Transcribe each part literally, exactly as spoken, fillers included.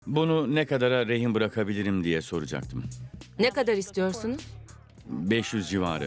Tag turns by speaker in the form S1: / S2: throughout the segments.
S1: Bunu ne kadara rehin bırakabilirim diye soracaktım.
S2: Ne kadar istiyorsunuz?
S1: beş yüz civarı.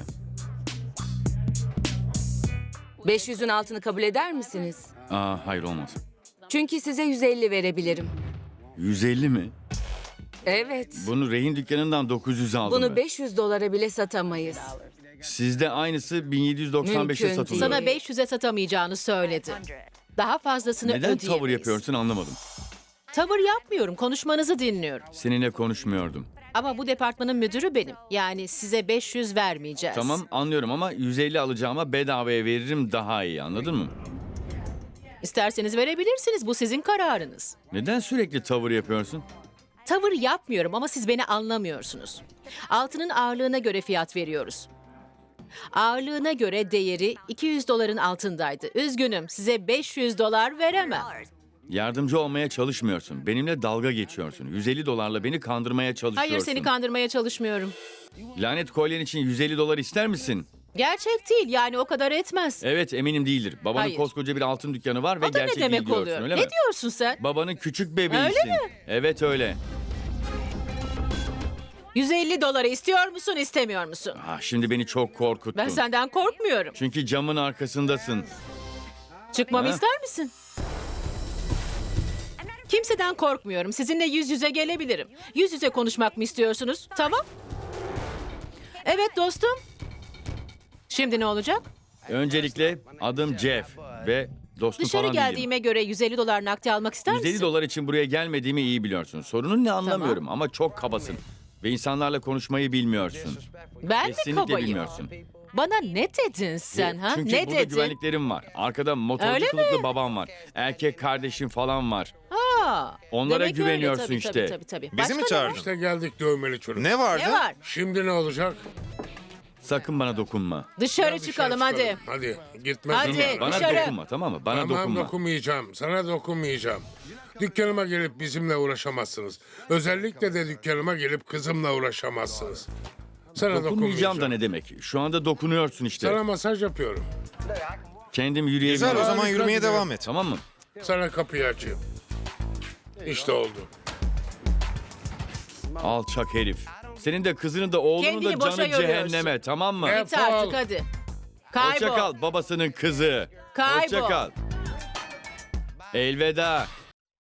S2: beş yüzün altını kabul eder misiniz?
S1: Aa, hayır olmaz.
S2: Çünkü size yüz elli verebilirim.
S1: yüz elli mi?
S2: Evet.
S1: Bunu rehin dükkanından dokuz yüz aldım
S2: Bunu
S1: ben.
S2: beş yüz dolara bile satamayız.
S1: Sizde aynısı bin yedi yüz doksan beşe
S2: Mümkün
S1: satılıyor.
S2: değil.
S3: Sana beş yüze satamayacağını söyledi. Daha fazlasını
S1: Neden
S3: ödeyemeyiz.
S1: tavır yapıyorsun anlamadım.
S3: Tavır yapmıyorum, konuşmanızı dinliyorum.
S1: Seninle konuşmuyordum.
S3: Ama bu departmanın müdürü benim. Yani size beş yüz vermeyeceğiz.
S1: Tamam anlıyorum ama yüz elli alacağıma bedavaya veririm daha iyi, anladın mı?
S3: İsterseniz verebilirsiniz, bu sizin kararınız.
S1: Neden sürekli tavır yapıyorsun?
S3: Tavır yapmıyorum ama siz beni anlamıyorsunuz. Altının ağırlığına göre fiyat veriyoruz. Ağırlığına göre değeri iki yüz doların altındaydı. Üzgünüm, size beş yüz dolar veremem.
S1: Yardımcı olmaya çalışmıyorsun. Benimle dalga geçiyorsun. yüz elli dolarla beni kandırmaya çalışıyorsun.
S3: Hayır, seni kandırmaya çalışmıyorum.
S1: Lanet kolyen için yüz elli dolar ister misin?
S3: Gerçek değil, yani o kadar etmez.
S1: Evet, eminim değildir. Babanın
S3: Hayır.
S1: koskoca bir altın dükkanı var ve
S3: O da
S1: gerçek
S3: ne demek
S1: değil diyorsun,
S3: oluyor?
S1: öyle
S3: Ne
S1: mi?
S3: diyorsun sen?
S1: Babanın küçük bebeğisin.
S3: Öyle mi?
S1: Evet öyle.
S3: yüz elli doları istiyor musun, istemiyor musun?
S1: Ah, şimdi beni çok korkuttun.
S3: Ben senden korkmuyorum.
S1: Çünkü camın arkasındasın.
S3: Çıkmamı
S1: Ha?
S3: ister misin? Kimseden korkmuyorum. Sizinle yüz yüze gelebilirim. Yüz yüze konuşmak mı istiyorsunuz? Tamam. Evet dostum. Şimdi ne olacak?
S1: Öncelikle adım Jeff ve dostum
S3: Dışarı
S1: falan değilim.
S3: geldiğime göre yüz elli dolar nakdi almak ister
S1: yüz elli
S3: misin?
S1: dolar için buraya gelmediğimi iyi biliyorsun. Sorunun ne anlamıyorum ama çok kabasın. Ve insanlarla konuşmayı bilmiyorsun.
S3: Ben mi
S1: Kesinlikle
S3: kabayım?
S1: bilmiyorsun.
S3: Bana ne dedin sen ha?
S1: Çünkü
S3: Ne
S1: burada
S3: dedin?
S1: güvenliklerim var. Arkada motorcu
S3: Öyle
S1: kılıklı babam var. Erkek kardeşim falan var.
S3: Ha,
S1: Onlara
S3: demek öyle.
S1: güveniyorsun
S3: Tabii,
S1: işte.
S3: Tabii, tabii, tabii.
S4: Bizi
S3: Başka
S4: mi
S3: ne var?
S4: çağırdın?
S5: İşte geldik dövmeli çocuk.
S4: Ne vardı?
S3: Ne var?
S5: Şimdi ne olacak?
S1: Sakın bana dokunma.
S3: Dışarı
S5: Dışarı
S3: çıkalım hadi.
S5: Hadi gitmez.
S3: Hadi.
S5: mi?
S1: Bana
S3: Dışarı.
S1: dokunma, tamam mı? Bana
S5: Tamam
S1: dokunma.
S5: dokunmayacağım. Sana dokunmayacağım. Dükkanıma gelip bizimle uğraşamazsınız. Özellikle de dükkanıma gelip kızımla uğraşamazsınız. Sana
S1: Dokunmayacağım
S5: dokunmayacağım.
S1: da ne demek? Şu anda dokunuyorsun işte.
S5: Sana masaj yapıyorum.
S1: Kendim yürüyebilirim.
S4: Güzel, o zaman
S5: Harika
S4: yürümeye
S5: gidiyor.
S4: devam et.
S1: Tamam mı?
S5: Sana kapıyı açayım. İşte oldu.
S1: Alçak herif. Senin de kızının da oğlunun
S3: Kendini
S1: da
S3: boşa
S1: canı
S3: yoruyorsun.
S1: cehenneme, tamam mı?
S5: Evet.
S3: Git artık hadi.
S1: Hoşça
S3: Kaybol.
S1: kal babasının kızı.
S3: Kaybol.
S1: Hoşça kal. Elveda.